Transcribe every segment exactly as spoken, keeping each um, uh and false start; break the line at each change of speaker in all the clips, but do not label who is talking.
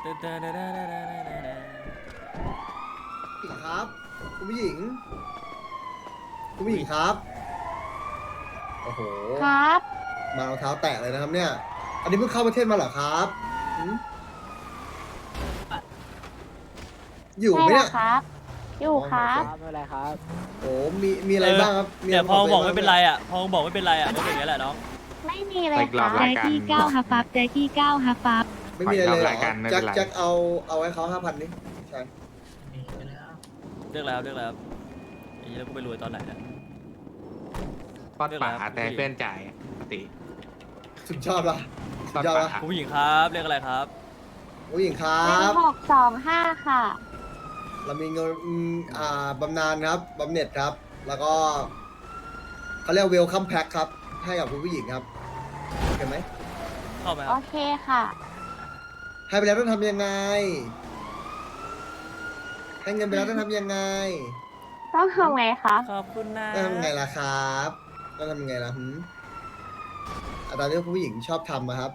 ครับคุณผู้หญิงคุณผู้หญิงครับโอ้โห
ครับ
มาเอาเท้าแตะเลยนะครับเนี่ยอันนี้เพิ่งเข้าประเทศมาเหรอครับหืมอยู่ไหม
ใช่
เนี่ย
แล้วครับ อยู่ครับ
อ๋อ
ไม่เป็นไรครับ
โอ้มีมีอะไรบ้างครับมีะ
เนี่
ไร
ยพอ
ตัว
บอก
ง
ไม่เป็นไรอ่ะพอบอกไม่เป็นไรอ่ะก็เป็นอย่างนี้แหละน้อง
ไม่มีเลย
ไปก
ค
ลั
รั
บบ รายการ
ที่เก้าฮับฟับแจ็คกี้เก้าฮับฟับ
ไม่มีอะไรเลยเหร
ราย
อ
การไม่
แจ็
เป็
คน
ไร
แจ็คเอาเอาให้เขาห้าพันนี่ใช่
เลือกแล้วเลือกแล้วไอ้เหี้ยแล้วกูไปรวยตอนไหนเนี่ย
ป้อนป่าแต่เพื่อนจ่ายปกติ
สุดยอดปะสุ
ป้อ
ด
น
ยอด
ป่า
ปะ
คุณผู้หญิงครับเรียกอะไรครับ
ผู้หญิงครั
หนึ่ง
บ
หกสองห้าค่ะ
เรามีเงินอืมอ่าบำนาญครับบำเหน็จครับ แล้วก็เขาเรียกเวลคัมแพ็คครับ ให้กับคุณผู้หญิงครับเห็นไหม
เข้าไหมค
โอ
รับ
เคค่ะ
ให้ไปแล้วต้องทำยังไง ให้เงินไปแล้วต้องทำยังไง
ต้องทำไงคะ
ขอบคุณนะ
ต้องทำยังไงล่ะครับต้องทำยังไงล่ะหืมอาตามที่คุณผู้หญิงชอบทำนะครับ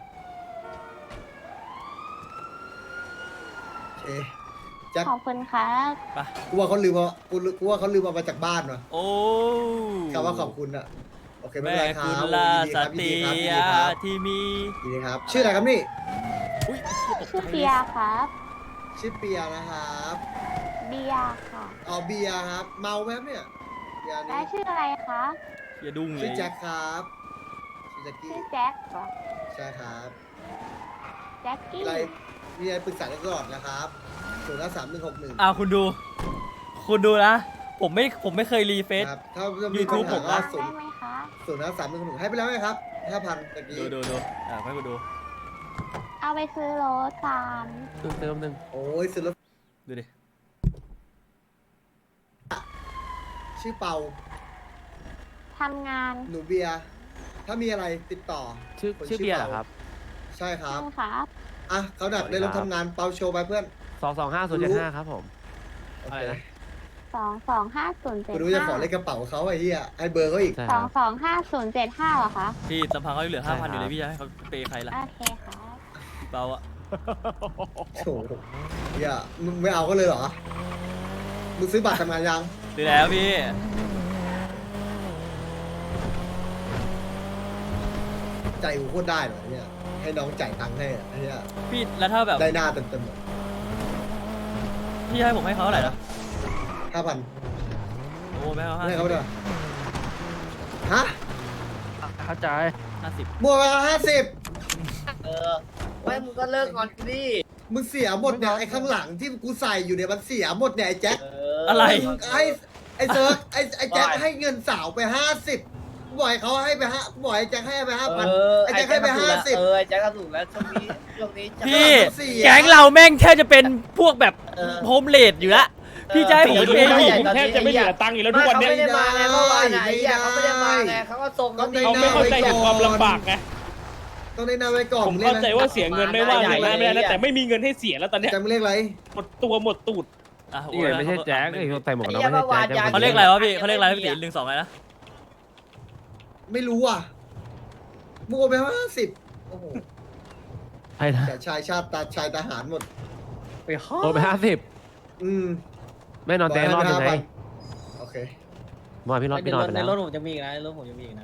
โอเคแจ็ค
ขอบคุณครับ
ไป
กูว่าเขาลืมเอากูรู้กูว่าเขาลืมเอามาจากบ้านว่ะ
โอ้
คำว่าขอบคุณอะโอเคไม่
แม่
เป็นไรครั
คุ
บ
ณลา
ยิน
ส
ดี
ติ
ครับยินดีครับ
ที่มี
ยินดีครับ ชื่ออะไรครับนี่
อุ้ยตกใจ
ชื่อเปียครับ
ชื่อเปียนะครับ
เบียร์ค่ะ
อ๋อเบียร์ครับ เมาไหมครับเนี่ยเบียร์
และ
นี่
ชื่ออะไรคะ
อย่าดุ้งเล
ชื่อย แจ็คครับชื่อแจ็คกี้
ชื่อแจ็คเหรอ
ใช่ครับ
แจ็คกี้
อะไรมีอะไรปรึกษาได้ตลอดนะครับศูนย์ห้าสามหนึ่งหกหนึ่ง
อ่าคุณดู คุณดูนะ ผมไม่ผมไม่เคยรีเฟซ
ครับถ้าจะมี
YouTube
ปัญหา
ผม
ก็
อะ
ศู
ได้
นย์
ไหมคะ
ศูนย์ห้าสามหนึ่งหกหนึ่งให้ไปแล้วไหมครับห้าพันตะกี้
ดูดูดูอ่าให้คุณดู
เอาไปซื้อรถตาม
เติมเติมหนึ่ง
โอ้ยซื้อรถ
ดูดิ
ชื่อเปา
ทำงาน
หนูเบียร์ถ้ามีอะไรติดต่อ
ชื่อ
คน
ชื่อเบียร์เหรอครับ
ใช่ครับ
ใช่ครับ
อ่ะเขาดักได้รถทำงานเปาโชว์ไปเพื่อน
สองสองห้าศูนย์เจ็ดห้าครับผม
โอ
อะไร
เค
นะ
สองสองห้าศูนย์เจ็ด
กูรู้จะ
ห้า
ขอเลขกระเป๋าเขาไอ้เหี้ยให้เบอร์เขาอีก
ใช่
ส
ค
อ
รั
ง
บ
สองห้าศูนย์เจ็ดห้าเหรอคะ
พี่ลำพังเขาเหลือ
ใช่
ห้าพัน
ครับ
อยู่เลยพี่จะให้เขาเปย์ใครล่ะ
โอเคครับ
พี่เปาอ่ะ
โถ่เหี้ยมึงไม่เอาก็เลยเหรอ มึงซื้อบัตรทำงานยัง
ดูแล้วพี่
ใจกูโคตรได้เลยเนี่ย ให้น้องจ่ายตังค์ให้อะไอ้เนี่ย
พี่แล้วถ้าแบบ
ได้หน้าเต็ม
พี่ให้ผมให้เขาเท่าไหร่นะ
ๆห้าพัน
โอ้ไม่ให้เขาห้า
ให้
สิ
เขา
บ
ด้วยฮะ
เข้าใจ
ห้าสิบ
บัวไปห้าสิบ
เออไม่มึงก็เลิกงอนกูดิ
มึงเสียหมดเนี่ยไอ้ข้างหลังที่กูใส่อยู่เนี่ยมันเสียหมดเนี่ยไอ้แจ็ค
เอ
อะไร
มึงไอ้ไอ้เซิร์ฟไอ้ไอ้แจ็คให้เงินสาวไปห้าสิบกูบอกให้เขาให้ไปห้ากูบอกให้แจ็คให้ไปห้าพัน
เออ
ไอ้แจ็คให้ไป
ถูก
ห้า
แล้ว
สิบ
เออไอ้แจ็คก็ถูกแล้วช่วงนี้ช่วงนี้จะ
พี่
เสีย
แก๊งเราแม่งแทบจะเป็นพวกแบบ
เออ
โฮมเลดอยู่ละพี่จะให้ผมไปเปย์
เออ
ผู้หญิง
แทบจะไม่เหลือตังค์
อีกแล้วทุกวันเนี้ย
ไม่ได้มาไงเมื่อวานไหนอ่ะเขาไม่ได้มาไงเขาก็ส่ง
ต้องได้
เขาไม่เข้าใจถึงความลำบากไง
ต้องได้หน้าไว้ก่อน
ผมเข้าใจว่าเสียเงินไม่ว่าอย่างนั้นไม่ได้นะแต่ไม่มีเงินให้เสียแล้วตอนเนี้ย
แจ็คมึงเรียกอะไร
หมดตัวหมดตูด
อ่ะ
นี่ไงไม่ใช่แจ็คไอ้คนใส่หมวกกันน็อกไม่ใช่แจ็ค
เขาเรียกอะไรวะพี่เขาเรียกอะไรพี่ตีหนึ่งสองอะไรนะ
ไม่รู้อ่ะมึงโอนไปห้าสิบโอ้โห
ใช่นะ
แต่ชายชาติตาชายทหารหมด
ไปห้า
โอนไปห้าสิบ
อืม
ไม่นอนเตียงรอบยังไง
โอเค
เมื่อวานพี่นอนพี่นอนไป
ใน
แล้ว
รถผมจะมีอีกนะในรถผมจะมีอีกนะ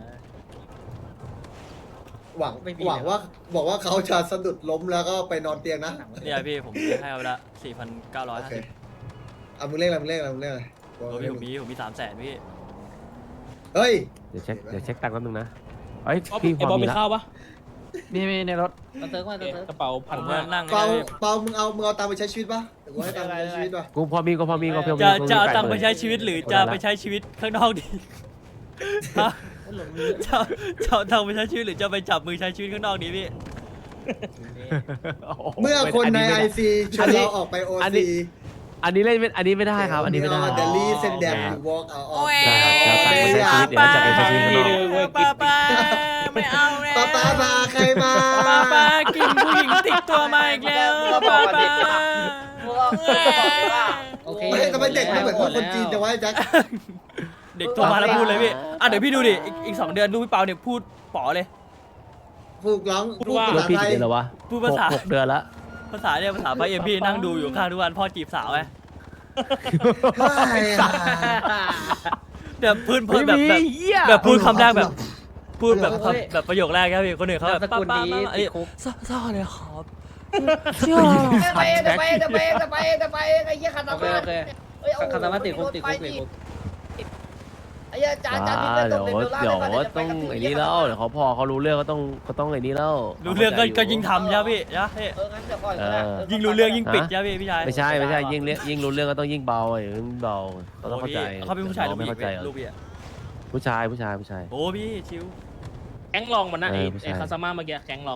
หวัง
ไม่มี
หวัง
เลย
ว่าบอกว่าเขาจะสะดุดล้มแล้วก็ไปนอนเตียงนะ
เนี่ยพี่ผมให้เขาไปละสี่พันเก้าร้อย
โอ
ห้า
เค
สิบ
เอามึงเรียกอะไรมึงเรียกอะไรมึงเรียกอะไร
โอ้พี่ผมมีผมมีสามแสนพี่
เฮ้ย
เดี๋ยวเช็คเดี๋ยวเช็คตังค์แป๊บนึงนะเอ้ย
เอา
พี่พ
ไอ้
อบ
อล
มี
มี
แล้ว
ข้าวปะ
มีมีในรถ
มาเติร์กมาเติร์ก
กระเป๋าพั
ผ
น
ม
ห้า
ก็นั่ง
เปา
ให้
เปามึงเอามึงเอาตังค์ไปใช้ชีวิตปะหรือว่าให้ตังค์ไปใช้ชีวิตปะ
กูพอมีก็พอมีก็พอมี
จะ
กูมี
จะเอา
แปด
ตังค์
ห
ไป
มื่น
ใช้ชีวิตหรือจะไปใช้ชีวิตข้างนอกดีฮะจะจะเอาตังค์ไปใช้ชีวิตหรือจะไปจับมือใช้ชีวิตข้างนอกดีพี่
โโห
เมื่อคนใน
ม่
ไอ
ด้
ซีชวนเราออกไปโอ
อันนี้
ซี
อันนี้เล่นไม่อันนี้ไม่ได้ครับ อันนี้ไม่ได้
เดลี่เซนแดมอยู่วอล์กเอาออก
ใช่ครับจะเอาตังค์ไปใช้ชีวิตเดี๋ยวจะไปใช้ชีวิตข้างนอก
ป้าป้าไม่เอาแล้ว
ป้าป้าพาใครมา
ป้าป้ากินผู้หญิงติดตัวมาอีกแล้วป้าป้า
โอเค
ไม่ทำไมเด็กไม่เหมือนพวกคนจีนจะไว้แจ็ค
เด็กโทรมาแล้วพูดเลยพี่อ่ะเดี๋ยวพี่ดูดิอีกอีกสองเดือนดูพี่เปาเนี่ยพูดป๋อเลย
พูดร้องพูด
ร
ภา
ถ
ษา
พี่
ไท
กี่
ย
เดือนแล้ววะ
พูดภาษา
หกหกเดือนละ
พ
ภาษาเนี่ยภาษาไปเอ็มพี่นั่งดูอยู่ข้างทุกวันพ่อจีบสาวไงแบบพื้นเพิ่นแบบแบบแบบพูดคำแรกแบบพูดแบบแบบประโยคแรกครับพี่คนอื่นเขาแบบป้าป้าไอ้ซ่าเลยครับเชื่อ
ไปไปไปไปไปไปไปไอ้เหี้ยคาตามาเฮ้ยคาตามาติดคุกติดคุกติดคุกไอ้จานจาน
อ่าเดี๋ยวเดี๋ยวต้องไอ้นี่แล้วเดี๋ยวเขาพอเขารู้เรื่องก็ต้องก็ต้องไอ้นี่แล้ว
รู้เรื่องก็ก็ยิ่งทำใช่พี่นะพี่
เอองั้นเดี๋ยวก่อน
ยิ่งรู้เรื่องยิ่งปิดใช่พี่พี่ชาย
ไม่ใช่ไม่ใช่ยิ่งเลี้ยยิ่งรู้เรื่องก็ต้องยิ่งเบาไอ้ยิ่งเบาก็ต้องเข้าใจ
เขาเป็นผู้ชายหรือ
ไม่
ผู้หญิ
เข้าง ใจ
ลูกพี่อะ
ผู้ชายผู้ชายผู้ชาย
โอ้พี่ชิว
แก๊งลองมันนะไอ้
เออผู้ชาย
ไอ้คาซาม่าเมื่อกี้แก๊งลอง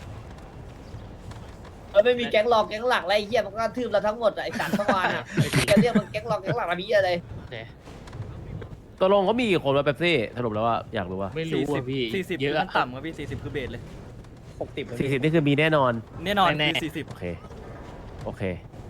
เออไม่มีแก๊งหลอกแก๊งหลักอะไรเหี้ยมันก็ทืบเราทั้งหมดไอ้สัตว์เมื่อวานอ่ะแกเรียกมันแก๊งหลอกแก๊งหลักอะไรอะไร
ตกลงเขามีกี่คนวะเป๊ปซี่สรุปแล้วว่าอยากรู้ว่า
ไม่รู้อ่ะพี่
สี่สิบ
เยอะ
ขั้นต่ำครับพี่สี่สิบคือเบสเลย
หกสิบ
สี่สิบนี่คือมีแน่นอน
แน่นอน
แน่
คือสี่สิบ
โอเคโอเค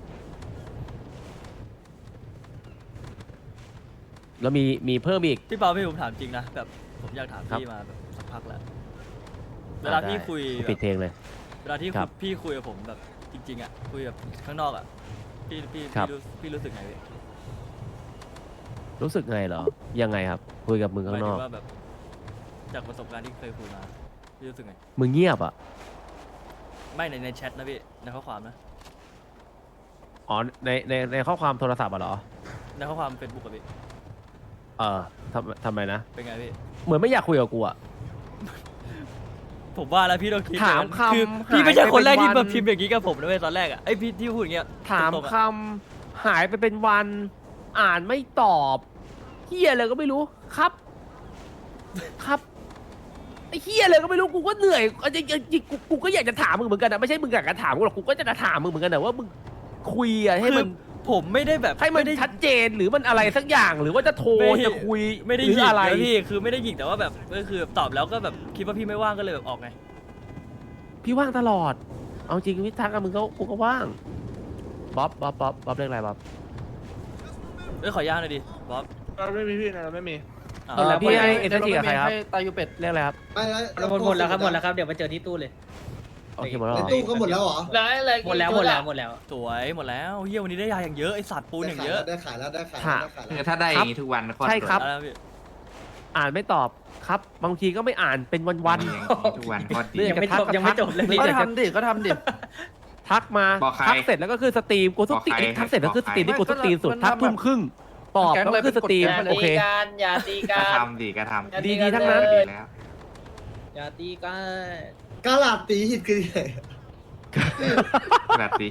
แล้วมีมีเพิ่มอีก
พี่เปาพี่ผมถามจริงนะแบบผมอยากถาม
ครับ
พี่มาแบบสักพักแล้วเวลาพี่คุย
ได้
แบบ
ปิดเพลงเลย
เวลาที่
ครับ
พี่คุยกับผมแบบจริงๆอ่ะคุยแบบข้างนอกอ่ะพี่พี่
ครั
พี่
บ
รู้พี่รู้สึกไงพี่
รู้สึกไงเหรอยังไงครับ คุยกับมึง
ห
ข้าม
าย
งน
ถึ
อก
งว่าแบบจากประสบการณ์ที่เคยคุยมาพี่รู้สึกไง
มึงเงียบอ่ะ
ไม่ในในแชทนะพี่ในข้อความนะ
อ๋อในในในข้อความโทรศัพท์อ่ะเหรอ
ในข้อความเฟซบุ๊กอะพี่
เออทำทำไมนะ
เป็นไงพี่
เหมือนไม่อยากคุยกับกูอ่ะ
ผมว่าแล้วพี่ต้องคิด
ถาม
นะ
คำ
คือ
หาย
พี่ไม่ใช่คนแรก
ไปเป็น
ที่มา
วัน
พิมพ์อย่างนี้กับผมนะเว้ยตอนแรกอ่ะไอพี่ที่พูดอย่างเงี้ย
ถาม
ตรงๆอะ
คำหายไปเป็นวันอ่านไม่ตอบเฮียอะไรก็ไม่รู้ครับ ครับไอ้เฮียอะไรก็ไม่รู้กูก็เหนื่อยเอาจริงๆกูกูก็อยากจะถามมึงเหมือนกันนะไม่ใช่มึงอยากจะถามกูหรอกกูก็จะถามมึงเหมือนกันนะว่ามึงคุยอะให้
คื
มั
อน ผมไม่ได้แบบ
ให้มัน
ไได้
ชัดเจนหรือมันอะไรสักอย่างหรือว่าจะโทร
ไม่
จะคุย
ไม่ได้
หรื
หยิก
อะไร
นะพี่คือไม่ได้หยิกแต่ว่าแบบก็คือตอบแล้วก็แบบคิดว่าพี่ไม่ว่างก็เลยแบบออกไง
พี่ว่างตลอด เอาจริงพี่ทักกับมึงก็กูก็ว่างบ๊อบบ๊อบบ๊อบบ๊อบเรียกอะไรบ๊อบ
เอ้ยขอย่างหน่อยดิบ๊อบ
เราไม่มีพี่นะเราไม่มี
อ่า
เออแล้วพี่ให้เอเจนซี่กับใครครับ
ตายูเป็ด
เรียกอะไรครับ
ไม่แล้ว
หมดหมดแล้วครับหมดแล้วครับเดี๋ยวมาเจอที่ตู้เลย
โอเคหมดแล้ว
ใน
เหรอ
ตู้ก็หมดแล้วเหรอ
แล้วอะไรหมดแล้วหมดแล้วหมดแล้ว
สวยหมดแล้วเฮียวันนี้ได้ยาอย่างเยอะไอสัตว์ปูนอย่างเยอะ
ได้ขายแล้วได้ขายแล้วได้ขายแล้ว
คือถ้าได้อย่างนี้ทุกวันโคตร
ใช่ครับ
อะไรนะพี่
อ่านไม่ตอบครับ บางทีก็ไม่อ่านเป็นวัน
อย่างนี้ทุกวันโคตรดี
ยังไม่จบยังไม่จบเลย
ๆ
พี่
ก็ทำดิก็ทำดิทักมา
บอกใคร
ทักเสร็จแล้วก็คือสตรีมกูทุกตี
บอกใคร
ทักเสร็จแล้วคือส
บอกใคร
ตรีมที่กูทุกตีมสุด
มัน
ทัก
ทำ
ทุ่มครึ่งตอบแล้วก็คือสตรีม
อย่า
โอ
ตี
เค
กันอย่าตีกั
ก็
น
ทำดีก็ทำ
ดีๆทั้งนั้น
ดีแล้ว
อย่าตีกัน
กาลาดตีหิดคือไง
แบบดี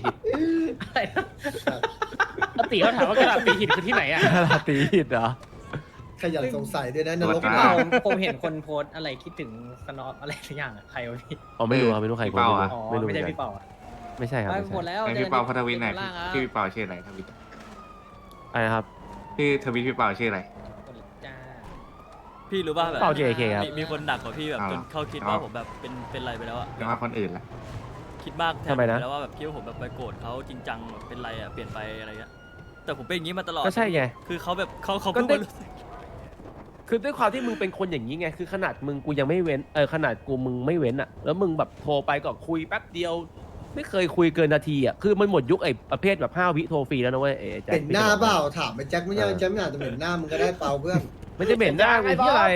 ปกติเขาถามว่ากระดาษตีหินคือที่ไหนอ่ะ
ลาตีหิดเหรอ
ขยันสงสัยด้วยนะนรก
พี่
เป
เปา
ล่า
ผมเห็นคนโพสอะไรคิดถึงสนอปอะไรสักอย่างอะใครวะพี่
อ๋อไม่รู้ครับไม่รู้ใครคนไม่รู้
อ๋อ
ไม่รู้
ไม่ใช่
เหมือนกัน
พี่เปาอะ
ไม่ใช่ครับ
ไป
ไม่
หมด
ใช่
แล้ว
ไอพี่เปาพัทวินไหนอย
ล่างครับ
พี่พี่เปาชื่ออะไรทวิต
อะไรนะครับ
ชื่อทวิตพี่เปาชื่ออะไร
จ้า
พี่รู้ป่ะแบบ
เปล่า เจ เค ครับ
มีมีคนหนักกว่าพี่แบบ
เอา
จ
เหร
น
อ
เขาคิด
เอา
ว่าผมแบบเป็นเป็นอะไรไปแล้วอะ
จะมาคนอื่นละ
คิดมากแทน
ทำไมนะ
แล้วว่าแบบคิดว่าผมแบบไปโกรธเขาจริงจังแบบเป็นไรอะเปลี่ยนไปอะไรเงี้ยแต่ผมเป็นอย่างนี้มาตลอด
ก็ใช่ไง
คือเขาแบบเขาเขา
ก็
เพิ่ง
ได้
มารู้สึก
คือด้วยความที่มึงเป็นคนอย่างนี้ไง คือขนาดมึงกูยังไม่เว้น เออขนาดกูมึงไม่เว้นอ่ะ แล้วมึงแบบโทรไปก็คุยแป๊บเดียว ไม่เคยคุยเกินนาทีอ่ะ คือมันหมดยุคไอ้ประเภทแบบห้าวิโทรฟรีแล้วนะเว้ยไอ้แจ็ค
เห็นหน้าเปล่าถามไปแจ็คไม่ใช่แจ็คไม่อาจจะเห็นหน้ามึงก็ได้เปล่าเพื่อน
ไม่ได้เหม็นหน้ากูที่อะไร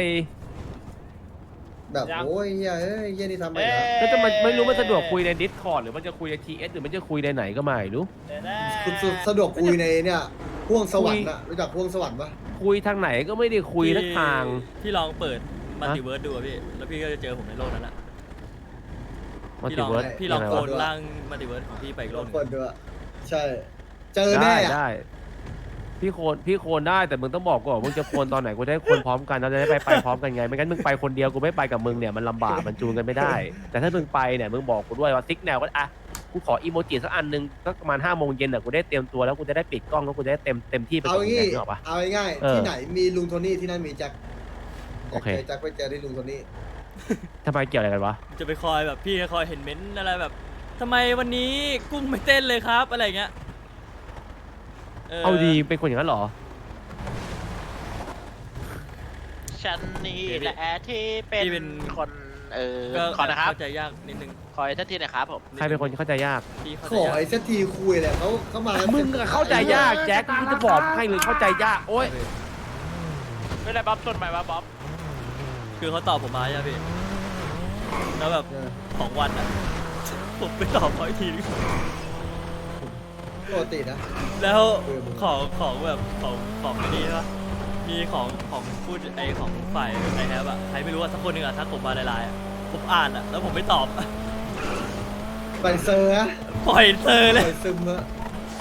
แบบโอ้ยเฮียเอ้ยเฮียนี่ทำไปแล้ว
ก็จะมันไม่รู้มันสะดวกคุยใน Discord หรือมันจะคุยใน ที เอส หรือมันจะคุยในไหนก็ไม่รู้
คุณสะดวกคุยในเนี่ยพ่วงสวรรค์อะรู้จักพ่วงสวรรค์ปะ
คุยทางไหนก็ไม่ได้คุยทักทาง
พี่ลองเปิดมัลติเวิร์สดูอะพี่แล้วพี่ก็จะเจอผมในโลกนั้นอะ
มัล
พี่
ติ
ลอง
เวิร์ส
พี่ลอง
ยัง
โก
ไง
น
วะ
ร่างมัลติเวิร์สของพี่ไปอีกโลกหนึง
คนด้วยใช่ เจอแน่
ได้
อะ
ได้ พี่โคนพี่โคนได้แต่มึงต้องบอกก่อนมึงจะโคนตอนไหนกูจะได้โคนพร้อมกันเราจะได้ไปไปพร้อมกันไงไม่งั้นมึงไปคนเดียวกูไม่ไปกับมึงเนี่ยมันลำบากมันจูนกันไม่ได้ แต่ถ้ามึงไปเนี่ยมึงบอกกูด้วยว่าซิกแนวก็อ่ะกูขออีโมจิสักอันหนึงสักประมาณห้าโมงเย็นอ่ะกูได้เตรียมตัวแล้วกูจะได้ปิดกล้องแล้วกูจะได้เต็มเต็มที่ไป
เอา
กับมึง
งี้
ไงนึกออกปะ
เอาง่าย
เออ
ๆที่ไหนมีลุงโทนี่ที่นั่นมีแจ็ค
โอเค
แจ็คไปเจอที่ลุงโทนี่
ทำไมเกี่ยวอะไรกันวะ
จะไปคอยแบบพี่คอยเห็นเม้นต์อะไรแบบทำไมวันนี้กุ้งไม่เต้นเลยครับอะไรเงี้ย
เอาดีเป็นคนอย่างนั้นเหรอ
ฉันนี่แหละที่เป็นคนเออ
ก็
ขอนะครับ
เข้าใจยากนิดนึง
ขออีกทันทีหนะครับผม
ใครเป็นคนเข้าใจยาก
พี่เข้า
ข
ใจ
อย
าก
ไอ้เซตทีคุยเลยเขาเขามา
มึงอะเข้าใจยากแจ็คกูจะบอกให้เลยเข้าใจยากโอ๊ย
ไม่ได้บ๊อบต้นใหม่บ๊อบ
คือเขาตอบผมมาใช่ไหมพี่แล้วแบบสองวันอ่ะผมไปตอบเขาอีกทีนึง
ปกตินะ
แล้วของของแบบของของไม่ดีใช่ปะมีของของพูดไอของฝ่ายไอแฮปอะใครไม่รู้อะสักคนหนึ่งอะทักผมมาในไลน์อะผมอ่านอะแล้วผมไม่ตอบ
ไปเซอร์ฮะ
ปล่อยเซอร์เลย
ไปซึมอะ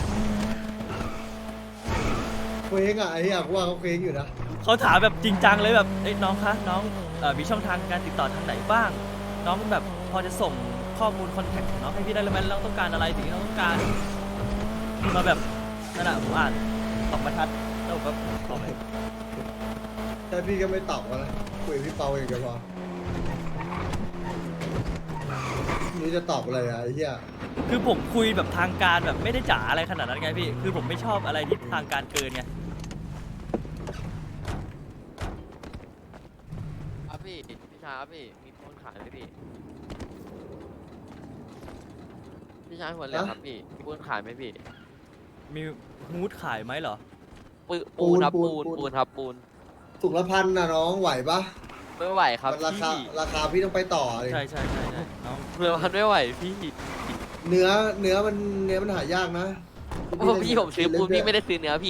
เคว้งอะไอ้เหี้ยกูว่าเขาเคว้งอยู่นะ
เขาถามแบบจริงจังเลยแบบเอ้ยน้องคะน้องเอ่อมีช่องทางการติดต่อทางไหนบ้าง น้องแบบพอจะส่งข้อมูลคอนแทคของน้องให้พี่ได้เลยไหมน้องต้องการอะไรสิ่งที่น้องต้องการมาแบบนั่นแหละผมอ่านสองบรรทัดแล้วผมก็ตอบไป
แต่พี่ก็ไม่ตอบกันนะคุยกับพี่เปาเองก็พอนี่จะตอบอะไรอะไอ้เหี้ย
คือผมคุยแบบทางการแบบไม่ได้จ๋าอะไรขนาดนั้นไงพี่คือผมไม่ชอบอะไรที่ทางการเกินไง
ครับพี่พี่ชายครับพี่มีปูนขายไหมพี่พี่ชายหัวเหลืองครับพี่มีปูนขายไหมพี่
มีฮูดขายไหมเหรอ
ปูนปูนครับปูนปูนครับปูน
ถุงละพันนะน้องไหวปะ
ไม่ไหวครับ
มันราคา
พี่
ราคาพี่ต้องไปต่อเลย
ใช่ใช่ใช่ใช่น้อง
เรือมันไม่ไหวพี่
เนื้อเนื้อมันเนื้อมันหายากนะ
โอ้พี่ผมซื้อปูนพี่ไม่ได้ซื้อเนื้อพี่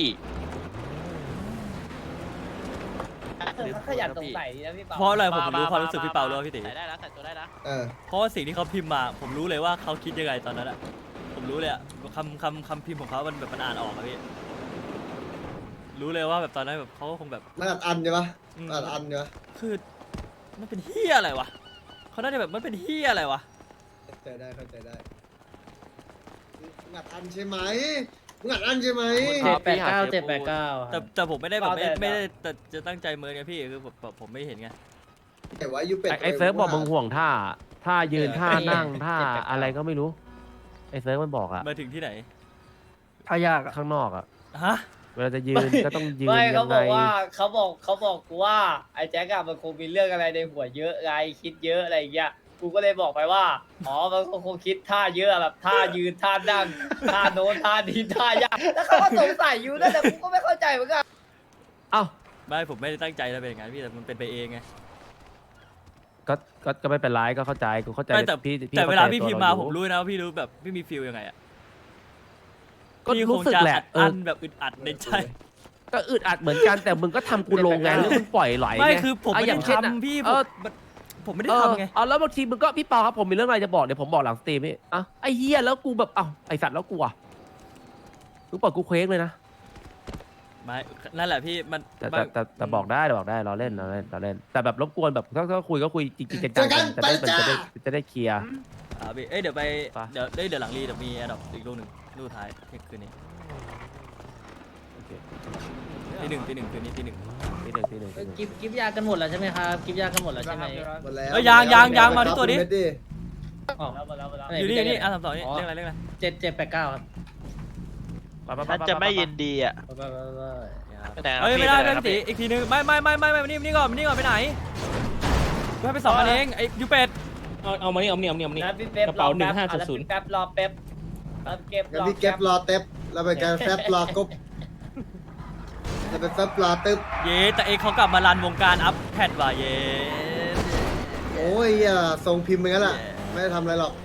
เขาขยันสงสัยดีนะพี่เปา
เพราะอะไรผมรู้ความรู้สึกพี่เปาแล้วพี่ตี
ใส่ได้แล้วใส่ตัวได้แล้ว
เออ
เพราะว่าสิ่งที่เขาพิมพ์มาผมรู้เลยว่าเขาคิดยังไงตอนนั้นอะผมรู้เลยอะคำคำคำพิมพ์ของเขามันแบบมันอ่านออกอะพี่รู้เลยว่าแบบตอนนั้นแบบเขาก็คงแบบ
มันอัดอันใช่ปะ
อืม
อัดอันใช่ปะ
คือมันเป็นเฮียอะไรวะเขาน่าจะแบบมันเป็นเฮียอะไรวะ
เข้าใจได้เข้าใจได้มึงอัดอันใช่ไหมมึงอัดอันใช่ไหม
เจ็ดแปดเก้าเจ็ดแปดเก้า
แต่แต่ผมไม่ได้แบบไม่
เอาแต่
ไม่ได้แต่จะตั้งใจเมินไงพี่คือผมแบบผมไม่เห็นไง
แต่ว่ายูเป็ด
ไอ้ไอ้เซิร์ฟบอกมึงห่วงท่าท่ายืน
เออ
ท่า
ไอ้
นั่งท่า
เจ็ดแปดเก้า
อะไรก็ไม่รู้ไอ้เซิร์ฟมันบอกอะ
มาถึงที่ไหน
ถ้ายากอะ
ข้างนอกอะ
ฮะ
เวลาจะยืนก็ต้องยืน
ไม่
ยั
เขา
ง
บ
ไง
อกว่าเขาบอกเขาบอกกูว่าไอ้แจ็คอะมันคงมีเรื่องอะไรในหัวเยอะไงคิดเยอะอะไรอย่างเงี้ยกูก็เลยบอกไปว่าอ๋อมันคงคิดท่าเยอะแบบท่ายืนท่านั่งท่าโน้นท่านี้ท่ายากแล้วเขาก็สงสัยอยู่นั่นแต่กูก็ไม่เข้าใจเหมือนกัน
เอ้า
ไม่ผมไม่ได้ตั้งใจจะเป็นอย่างนั้นพี่แต่มันเป็นไปเองไง
ก็ก็ก็ไม่เป็นไรก็เข้าใจกูเข้าใจ
ไม่แต่
พี่
แต่เวลา
ข้ใจ
พี่
ตั
พิมพ์
เร
มา
อยู่
ผมรู้นะว่าพี่รู้แบบพี่มีฟีลยังไงอะ
ก็
พี่ค
รู้
ง
สึก
จะ
แหละ
อัด
เอ
อั
อน
แบบอึดอัดในใจ
ก็อึดอัดเหมือนกันแต่มึงก็ทำกูลงไงแล้วมึงปล่อยไหล
ไม่
ไง
คือผม
ะ
ไม่
อ
ได้
ย่างเช่นอะ
ทำพี่ผ
เอ
ม
อ
ผมไม่ได้
เออ
ทำไง
เอาแล้วบางทีมึงก็พี่เปาครับผมมีเรื่องอะไรจะบอกเดี๋ยวผมบอกหลังสตรีมพี่อ่ะไอ้เฮียแล้วกูแบบเอ้าไอสัตว์แล้วกูอ่ะมึงปล่อยกูเคว้งเลยนะ
ไม่นั่นแหละพี่มัน
แต่แต่แต่แต่บอกได้บอกได้เราเล่นเราเล่นเราเล่น แต่แบบรบกวนแบบถ้าถ้าคุยก็คุยจริงๆจังๆกันจะได้จะได้จะได้เคลียร์
อ่าพี่เอ้ยเดี๋ยวไป
ไป
เดี๋ยวเอ้ยเดี๋ยวหลังรีเดี๋ยวมีแอดดอปอีกลูกหนึ่งลูกสุดท้ายเที่ยงคืนนี้
โอเค
ตีหนึ่งตีหนึ่งคืนนี้ตีหนึ่ง
ทีหนึ่งทีหนึ่งทีหนึ่ง
กิฟกิฟยากันหมดแล้วใช่ไหมครับกิฟยากันหมดแล้วใช่ไหม
หมดแล้ว
เอ้ยยางยางยางมาที่ตัวนี้
เม็ดดิ
อ๋อแล้วแล้วแล้ว
อยู่นี่นี่อ่ะสามสองนี่เรื่องอะไรเรื่องอะไร
เจ็ดเจ็ดแปดเก้าครับ
ไปไปไป
ท่านจะไม่ยินดีอ่ะ
ไปไปไปไป
ไปไหนครับ
เอ้ย
พี่
ไม่ได้
ปหน
ไม่
ครับ
ได้ตี
พี่
อีกทีนึงไม่ไม่ไม่ไม่ไม่นี่นี่ก่อนนี่ก่อนไปไหนกูให้ไปสองอันเองไอ้ยูเป็ด
เอาเอามานี่เอามานี่เอามานี่เอามานี่
นะพี่เป๊ป
กระเป๋าหนึ่งห้าศูนย์ศูนย์
แป๊บรอแป๊บรอเก็บ
งั้น
รอ
พี่เก็บรอเต็บแล้วไปกันแฟบรอกบแล้วไปแฟบรอตึบ
เย้แต่เอกเขากลับมารันวงการอัพแพดว่ะเย้
โอ้ยอย่าทรงพิมพ์ไปงั้นแหละไม่ได้ทำอะไรหรอก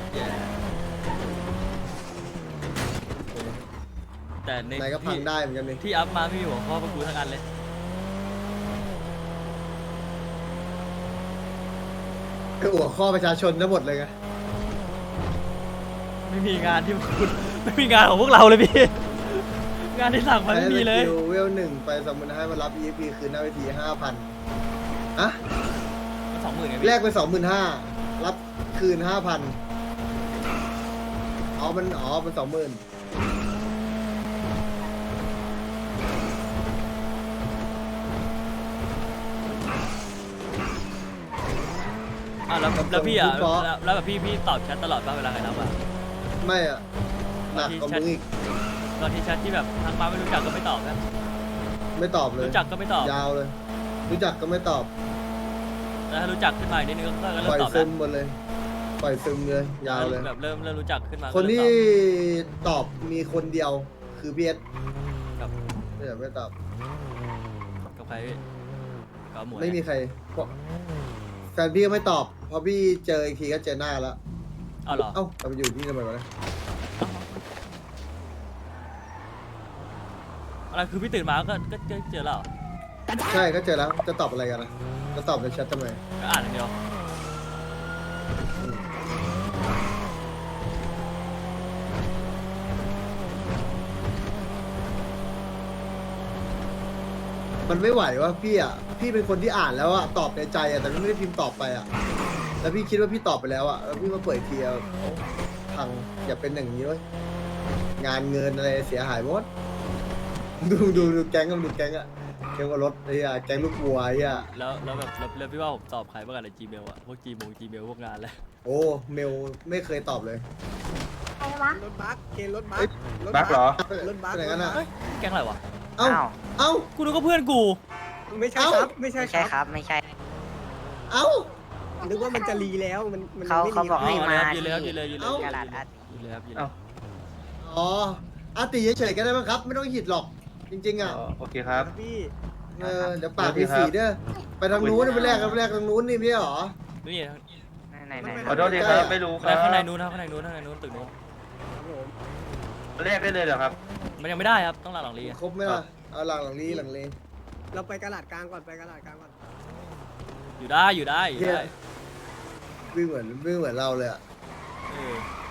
แต่ใน
ไหนก็พังได้เหมือนกันนี่
ที่อัพมาไม่มีหัวข้อพวกกูทั้งอันเลย
คือหัวข้อประชาชนทั้งหมดเลยไง
ไม่มีงานที่คุณไม่มีงานของพวกเราเลยพี่ งานที่สั่งมาไม่มีเลย
ใช้สกิเวลหนึ่งไปสมมติให้มารับ อี เอฟ พี คืนหน้าเวทีห้าพันอะ
สองหมื่นไง
แล
พี่
กไปสองหมื่นห้ารับคืนห้าพันอ๋อมันอ๋อมันสองหมื่น
อ่ะแล้วแล้วพี่อ่ะแล้วแล้วแบบพี่พี่ตอบแชทตลอดป่ะเวลาใครรับอ่ะ
ไม่อะหนักกว่ามึงอีก
ตอนที่แชทที่แบบทางมาไม่รู้จักก็ไม่ตอบนะ
ไม่ตอบเลย
รู้จักก็ไม่ตอบ
ยาวเลย รู้จักก็ไม่ตอบ
แล้วถ้ารู้จักขึ้นมาอีกนิดนึงก็ก็เริ่
ปล่
ม
อย
ตอบ
ซึ
แล้ว
มหมดเลย ปล่อยซึมเลยยาวเลย
แบบเริ่มเริ่มรู้จักขึ้นมา
คน
ก็เริ่ม
ที่
ตอบ
ตอบมีคนเดียวคือพีเอส
กับ
ไม่อยากไม่ตอบ
กับใครพี่กับหมวย
ไม่มีใครเพราะแฟนพี่ก็ไม่ตอบเพราะพี่เจออีกทีก็เจอหน้าแล้ว
เอาเหรอ
เอ้าเราไปอยู่ที่ทำไมวะเนี่ย
อะไรคือพี่ตื่นมาก็ก็เจอเจอแล้วเหรอ
ใช่ก็เจอแล้วจะตอบอะไรกันนะจะตอบในแชททำไม
ก็อ่านอย่างเดียว
มันไม่ไหวว่าพี่อ่ะพี่เป็นคนที่อ่านแล้วอ่ะตอบในใจอ่ะแต่ไม่ได้พิมพ์ตอบไปอ่ะแล้วพี่คิดว่าพี่ตอบไปแล้วอ่ะแล้วพี่มาเปิดอีกทีอ่ะโอ้พังอย่าเป็นอย่างนี้เว้ยงานเงินอะไรเสียหายหมดดูดูดูแก๊งกันดูแก๊งอ่ะแก๊งกับรถไอ้อ่ะแก๊งลูกวัวไอ้อ่ะ
แล้วแล้วแบบแล้วแล้วพี่ว่าผมตอบใครบ้างกันใน Gmail อะพวก Gmail Gmail พวกงานแล้ว
โอ้เมลไม่เคยตอบเลย
ใครวะ
รถบัสเคนรถบั
เอ้
ส
ย
บักเหรอ
รถบัส
เป็นอย่างนั้นอ่ะ
เฮ้ยแก๊งอะไรวะ
เอ้าเอ้า
กูนึกว่าเพื่อนกู
ไม่ใช่
เอ้า
ครับ ไม่ใช่
ไม่
ค
ใช่
รับ
ครับ ไม่ใช่
เอ้า
นึกว่ามันจะรีแล้ว มันมัน
เขา
ไม่
เขา
มี
บอก
ครับ
ให้มา
ยืนเลยครับยืนเลยยืนเลย
เอ้า
กระดาษอัด
ยืนเลยครับยืนเลย
เอ้า
อ๋ออาติเฉยๆก็ได้มั้งครับ ไม่ต้องหิดหรอก จริง ๆ อ่ะ
โอเคครับ
พี่
เออเดี๋ยวปากมีสีเด้อไปทางนู้นไปแรกกันไปแรกทางนู้นนี่ไม่ใช่หรอ
นี่
ไหนไหน
ขอโทษทีครับ ไม่รู้ค
ข้าง
รับ
ในนู้นครับข้างในนู้นข้างในนู้นตึกนู้น
ครับผม
แรกได้เลยเหรอครับ
มันยังไม่ได้ครับต้องหลังหลังรีอะ
ครบไหมล่ะเอาหลังหลังนี้หลังนี้
เราไปกระดาษกลางก่อน ไปกระดาษกลางก่อน
อยู่ได้อยู่ได้อยู่ได้
วิ่งเหมือนวิ่งเหมือนเราเลยอ่ะ
เออ